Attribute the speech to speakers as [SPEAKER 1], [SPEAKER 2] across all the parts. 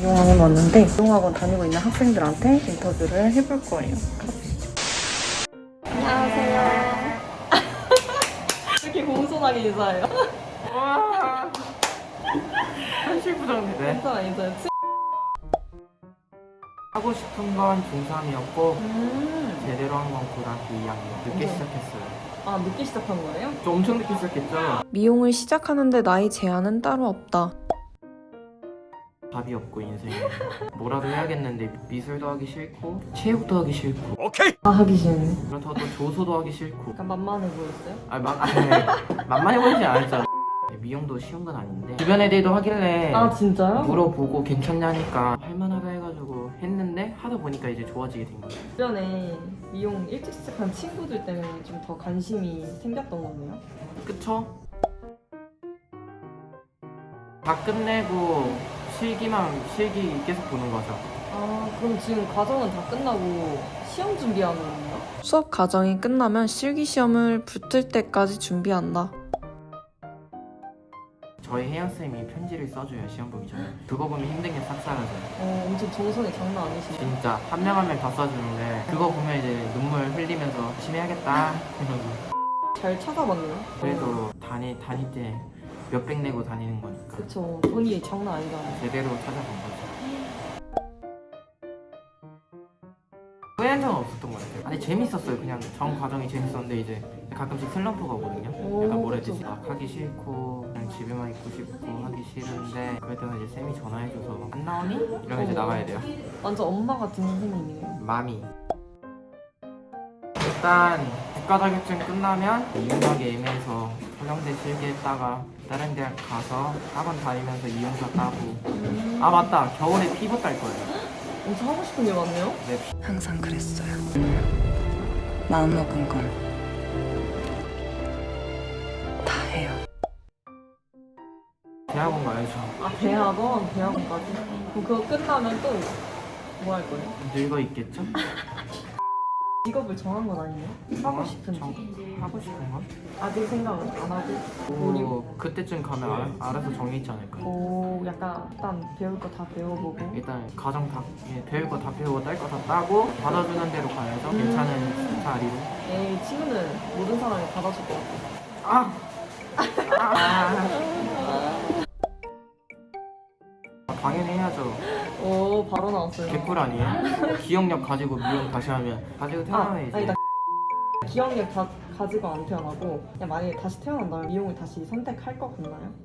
[SPEAKER 1] 미용학원 왔는데 미용학원 다니고 있는 학생들한테 인터뷰를 해볼 거예요. 가보시죠. 안녕하세요. 이렇게 공손하게 인사해요?
[SPEAKER 2] 와 현실 부정인데.
[SPEAKER 1] 괜찮아, 인사해요.
[SPEAKER 2] 하고 싶은 건 중3이었고 제대로 한 건 고등학교 2학년 늦게 시작했어요.
[SPEAKER 1] 아, 늦게 시작한 거예요?
[SPEAKER 2] 좀 엄청 늦게 시작했죠.
[SPEAKER 3] 미용을 시작하는데 나이 제한은 따로 없다.
[SPEAKER 2] 답이 없고 인생에 뭐라도 해야겠는데 미술도 하기 싫고 체육도 하기 싫고
[SPEAKER 1] 아, 하기 싫네.
[SPEAKER 2] 그렇다고 또 조소도 하기 싫고
[SPEAKER 1] 약간 만만해 보였어요?
[SPEAKER 2] 만만해 보이지 않았죠. 미용도 쉬운 건 아닌데 주변 애들도 하길래
[SPEAKER 1] 아, 진짜요?
[SPEAKER 2] 물어보고 괜찮냐니까 할만하다 해가지고 했는데 하다 보니까 이제 좋아지게 된 거예요.
[SPEAKER 1] 주변에 미용 일찍 시작한 친구들 때문에 좀 더 관심이 생겼던 거네요?
[SPEAKER 2] 그쵸? 다 끝내고 실기 계속 보는 거죠.
[SPEAKER 1] 아, 그럼 지금 과정은 다 끝나고 시험 준비하는 건가요?
[SPEAKER 3] 수업 과정이 끝나면 실기시험을 붙을 때까지 준비한다.
[SPEAKER 2] 저희 혜연쌤이 편지를 써줘요, 시험 보기 전에. 그거 보면 힘든 게 싹 사라져요.
[SPEAKER 1] 엄청 정성이 장난 아니시네요.
[SPEAKER 2] 진짜 한 명 한 명 다 써주는데 그거 보면 이제 눈물 흘리면서 열심히 해야겠다 이러고.
[SPEAKER 1] 잘 찾아봤나요?
[SPEAKER 2] 그래도 다닐 때 몇백 내고 다니는 거니까
[SPEAKER 1] 그쵸, 돈이 장난 아니잖아요.
[SPEAKER 2] 제대로 찾아본 거죠. 후회한 적은 없었던 것 같아요. 아니 재밌었어요. 그냥 전 과정이 재밌었는데 이제 가끔씩 슬럼프가 오거든요. 약간 뭐라 해야 되지? 막 하기 싫고 그냥 집에만 있고 싶고 하기 싫은데 그럴 때는 이제 쌤이 전화해줘서 안 나오니? 이러면 이제 나가야 돼요.
[SPEAKER 1] 완전 엄마 같은 선생님이네요.
[SPEAKER 2] 마미. 일단 국가 자격증 끝나면 이용하기 애매해서 서경대 실기했다가 다른 대학 가서 학원 다니면서 이용사 따고. 아 맞다, 겨울에 피부 딸 거예요.
[SPEAKER 1] 엄청 하고 싶은 게 많네요?
[SPEAKER 2] 네.
[SPEAKER 4] 항상 그랬어요. 마음먹은 건 다 해요.
[SPEAKER 2] 대학원 가야죠.
[SPEAKER 1] 아, 대학원까지? 그럼 그거 끝나면 또 뭐 할 거예요?
[SPEAKER 2] 늙어 있겠죠?
[SPEAKER 1] 직업을 정한 건 아니에요? 하고 싶은지?
[SPEAKER 2] 하고 싶은 건?
[SPEAKER 1] 아직 생각은 안 하고?
[SPEAKER 2] 오, 그때쯤 가면 알아서 정해있지 않을까요?
[SPEAKER 1] 약간 일단 배울 거 다 배워보고
[SPEAKER 2] 일단 가정 다 배울 거 다 배우고 딸 거 다 따고 받아주는 대로 가야죠. 괜찮은 스타일이로.
[SPEAKER 1] 에이, 친구는 모든 사람이 받아줄 것 같아요.
[SPEAKER 2] 당연히 해야죠.
[SPEAKER 1] 오, 바로 나왔어요.
[SPEAKER 2] 개꿀 아니에요? 기억력 가지고 미용 다시 하면 가지고 태어나면 이제
[SPEAKER 1] 아니다. 기억력 다 가지고 안 태어나고 그냥 만약에 다시 태어난다면 미용을 다시 선택할 것 같나요?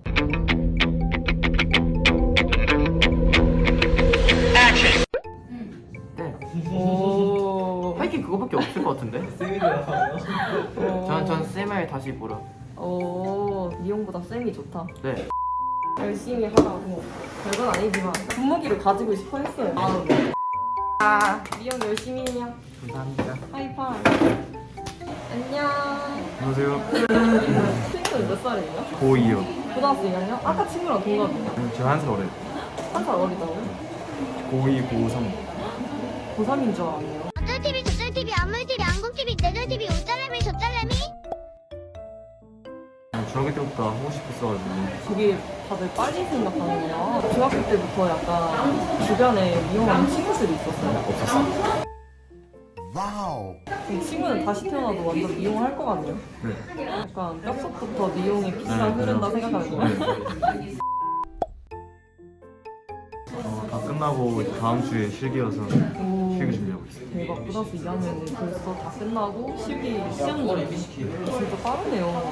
[SPEAKER 2] 네.
[SPEAKER 1] 오.
[SPEAKER 2] 하이킹 그거밖에 없을 것 같은데? 전 쌤을 다시 보러.
[SPEAKER 1] 오, 미용보다 쌤이 좋다.
[SPEAKER 2] 네.
[SPEAKER 1] 열심히 하라고. 별건 아니지만 분무기를 가지고 싶어 했어요. 미용 열심히 해요.
[SPEAKER 2] 감사합니다.
[SPEAKER 1] 하이파이. 안녕.
[SPEAKER 5] 안녕하세요.
[SPEAKER 1] 친구는 몇 살이에요?
[SPEAKER 5] 고2요.
[SPEAKER 1] 고등학교 2학년? 아까 친구랑 동갑이에요.
[SPEAKER 5] 제가 한 살 어려요.
[SPEAKER 1] 한 살 어리다고요?
[SPEAKER 5] 고2, 고3.
[SPEAKER 1] 고3인 줄 알았네요.
[SPEAKER 6] 어쩔TV 저쩔TV 안물TV 안공TV 내절TV 오짤라미 저짤라미
[SPEAKER 5] 중학교 때부터 하고 싶었어가지고.
[SPEAKER 1] 되게 다들 빨리 생각하는구나. 중학교 때부터 약간 주변에 미용하는 친구들이 있었어요?
[SPEAKER 5] 없었어요.
[SPEAKER 1] 이 친구는 다시 태어나도 완전 미용할 것 같네요.
[SPEAKER 5] 네.
[SPEAKER 1] 약간 뼛속부터 미용의 피가 흐른다 생각하는 거예요.
[SPEAKER 5] 다 끝나고 이제 다음 주에 실기여서
[SPEAKER 1] 오,
[SPEAKER 5] 실기 준비하고 있어요.
[SPEAKER 1] 대박. 고등학교 2학년은 벌써 다 끝나고 실기 시험 준비. 진짜 빠르네요.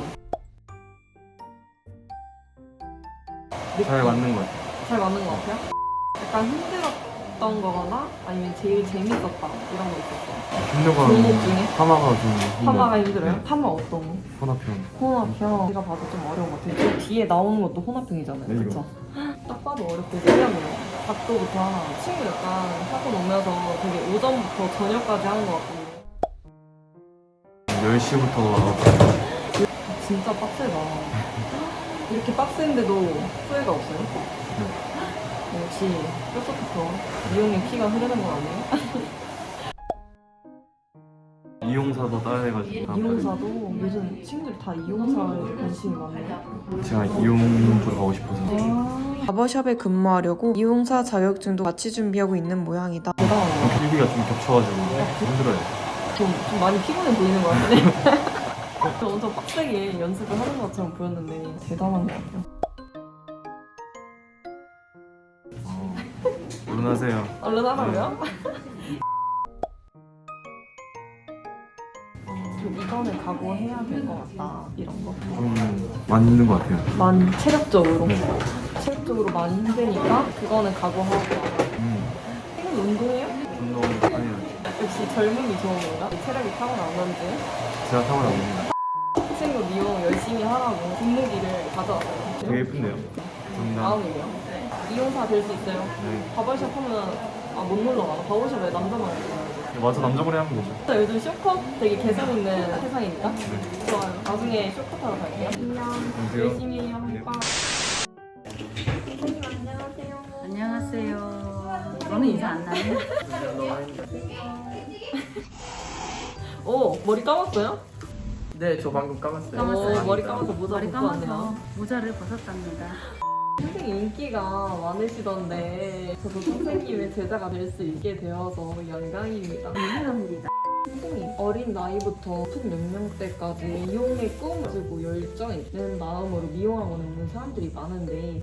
[SPEAKER 5] 잘 맞는 것 같아요.
[SPEAKER 1] 잘 맞는 것 같아요? 약간 힘들었던 거거나 아니면 제일 재밌었다 이런 거 있었어요?
[SPEAKER 5] 힘들고
[SPEAKER 1] 종목 중에?
[SPEAKER 5] 파마가 좀 힘들어요.
[SPEAKER 1] 파마가 힘들어요?
[SPEAKER 5] 네.
[SPEAKER 1] 파마 어떤 거?
[SPEAKER 5] 혼합형.
[SPEAKER 1] 혼합형. 제가 봐도 좀 어려운 것 같아요. 저 뒤에 나오는 것도 혼합형이잖아요.
[SPEAKER 5] 네,
[SPEAKER 1] 그쵸? 딱 봐도 어렵고 세련해요. 각도부터 하나. 친구 약간 학원 오면서 되게 오전부터 저녁까지 하는 것 같거든요.
[SPEAKER 5] 10시부터
[SPEAKER 1] 진짜 빡세다. 이렇게 빡센데도 후회가 없어요? 역시 뼛속부터 미용의 피가 흐르는 건 아니에요?
[SPEAKER 5] 이용사도 따야 해가지고.
[SPEAKER 1] 이용사도 요즘 친구들이 다 이용사에 관심이 많네요.
[SPEAKER 5] 제가 이용 쪽으로 가고 싶어서.
[SPEAKER 3] 바버샵에 근무하려고 미용사 자격증도 같이 준비하고 있는 모양이다.
[SPEAKER 1] 대단하네요.
[SPEAKER 5] 길기가 좀 겹쳐가지고 힘들어요.
[SPEAKER 1] 좀 많이 피곤해 보이는 것 같은데. 엄청 빡세게 연습을 하는 것처럼 보였는데 대단한 것 같아요.
[SPEAKER 5] 얼른 하세요.
[SPEAKER 1] 얼른 하라고요? 좀 이거는 각오해야 될 것 같다 이런 거.
[SPEAKER 5] 좀 많이 힘든 것 같아요.
[SPEAKER 1] 많이 체력적으로 많이 힘드니까 그거는 각오하고. 이건 운동해요?
[SPEAKER 5] 운동 아니요.
[SPEAKER 1] 역시 젊음이 좋은 건가? 체력이 타고난 건지.
[SPEAKER 5] 제가 타고났는데
[SPEAKER 1] 친구 미용 열심히 하라고 분무기를 가져왔어요.
[SPEAKER 5] 되게 예쁜데요. 감사합니다.
[SPEAKER 1] 마음이에요. 미용사 될 수 있어요.
[SPEAKER 5] 네.
[SPEAKER 1] 바버샵 하면 못 놀러가. 바버샵에 남자만 있어요.
[SPEAKER 5] 와서 남자분이 하면 되죠.
[SPEAKER 1] 요즘 쇼컷 되게 개성 있는 세상이니까 좋아요. 나중에 쇼컷 하러 갈게요. 안녕.
[SPEAKER 5] 안녕하세요.
[SPEAKER 1] 열심히 해요.
[SPEAKER 5] 네.
[SPEAKER 1] 오빠. 선생님 안녕하세요.
[SPEAKER 7] 안녕하세요. 너는 인사 안 나요?
[SPEAKER 1] 오 머리 감았어요?
[SPEAKER 2] 네, 저 방금 감았어요.
[SPEAKER 7] 감았어요.
[SPEAKER 1] 머리 감아서 모자
[SPEAKER 7] 머리
[SPEAKER 1] 벗고
[SPEAKER 7] 감아서
[SPEAKER 1] 왔네요.
[SPEAKER 7] 모자를 벗었답니다.
[SPEAKER 1] 선생님 인기가 많으시던데 저도 선생님의 제자가 될 수 있게 되어서 영광입니다.
[SPEAKER 7] 감사합니다.
[SPEAKER 1] 선생님 어린 나이부터 큰 연령대까지 미용의 꿈을 가지고 열정 있는 마음으로 미용학원에 오는 사람들이 많은데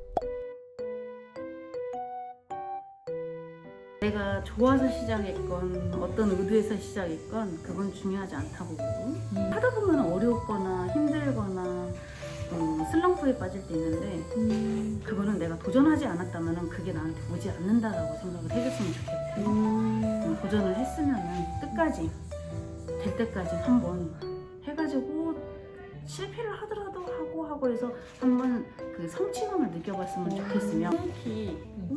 [SPEAKER 7] 내가 좋아서 시작했건 어떤 의도에서 시작했건 그건 중요하지 않다고 보고 하다 보면 어렵거나 힘들거나 슬럼프에 빠질 때 있는데 그거는 내가 도전하지 않았다면 그게 나한테 오지 않는다라고 생각을 해줬으면 좋겠어요. 도전을 했으면 끝까지 될 때까지 한번 해가지고 실패를 하더라도 하고 해서 한번 그 성취감을 느껴봤으면 좋겠으며 묵묵히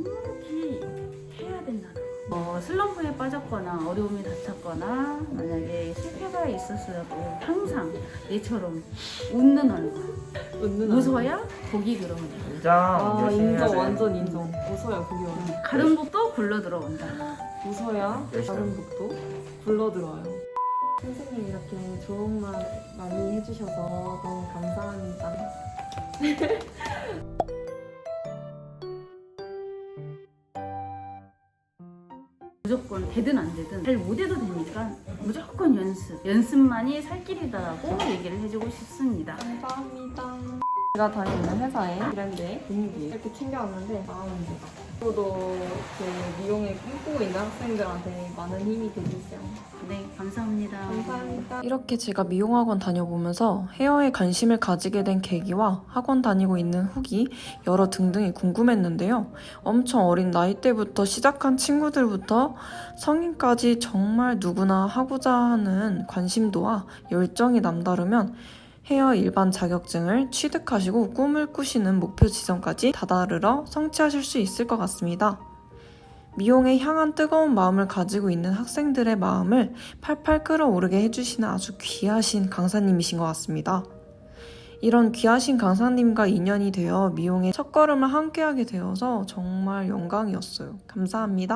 [SPEAKER 7] 해야 된다는 거. 슬럼프에 빠졌거나 어려움이 닥쳤거나 만약에 실패가 있었어도 항상 얘처럼 웃는 얼굴
[SPEAKER 1] 웃는
[SPEAKER 7] 웃어야 복이 들어온다.
[SPEAKER 2] 인정. 열심히
[SPEAKER 1] 인정
[SPEAKER 2] 하세요.
[SPEAKER 1] 완전 인정. 웃어야 그게 완전
[SPEAKER 7] 가른 복도 굴러 들어온다.
[SPEAKER 1] 웃어야
[SPEAKER 2] 열심히
[SPEAKER 1] 다른 곡도 불러들어요. 선생님 이렇게 좋은 말 많이 해주셔서 너무 감사합니다.
[SPEAKER 7] 무조건 되든 안 되든 잘 못해도 되니까 무조건 연습만이 살 길이다라고 얘기를 해주고 싶습니다.
[SPEAKER 1] 감사합니다. 제가 다니는 회사에 브랜드의 분위기 이렇게 챙겨왔는데 마음입니다. 저도 그 미용에 꿈꾸고 있는 학생들한테 많은 힘이 되주세요.
[SPEAKER 7] 네, 감사합니다.
[SPEAKER 1] 감사합니다.
[SPEAKER 3] 이렇게 제가 미용학원 다녀보면서 헤어에 관심을 가지게 된 계기와 학원 다니고 있는 후기 여러 등등이 궁금했는데요. 엄청 어린 나이대부터 시작한 친구들부터 성인까지 정말 누구나 하고자 하는 관심도와 열정이 남다르면 헤어 일반 자격증을 취득하시고 꿈을 꾸시는 목표 지점까지 다다르러 성취하실 수 있을 것 같습니다. 미용에 향한 뜨거운 마음을 가지고 있는 학생들의 마음을 팔팔 끓어오르게 해주시는 아주 귀하신 강사님이신 것 같습니다. 이런 귀하신 강사님과 인연이 되어 미용의 첫걸음을 함께하게 되어서 정말 영광이었어요. 감사합니다.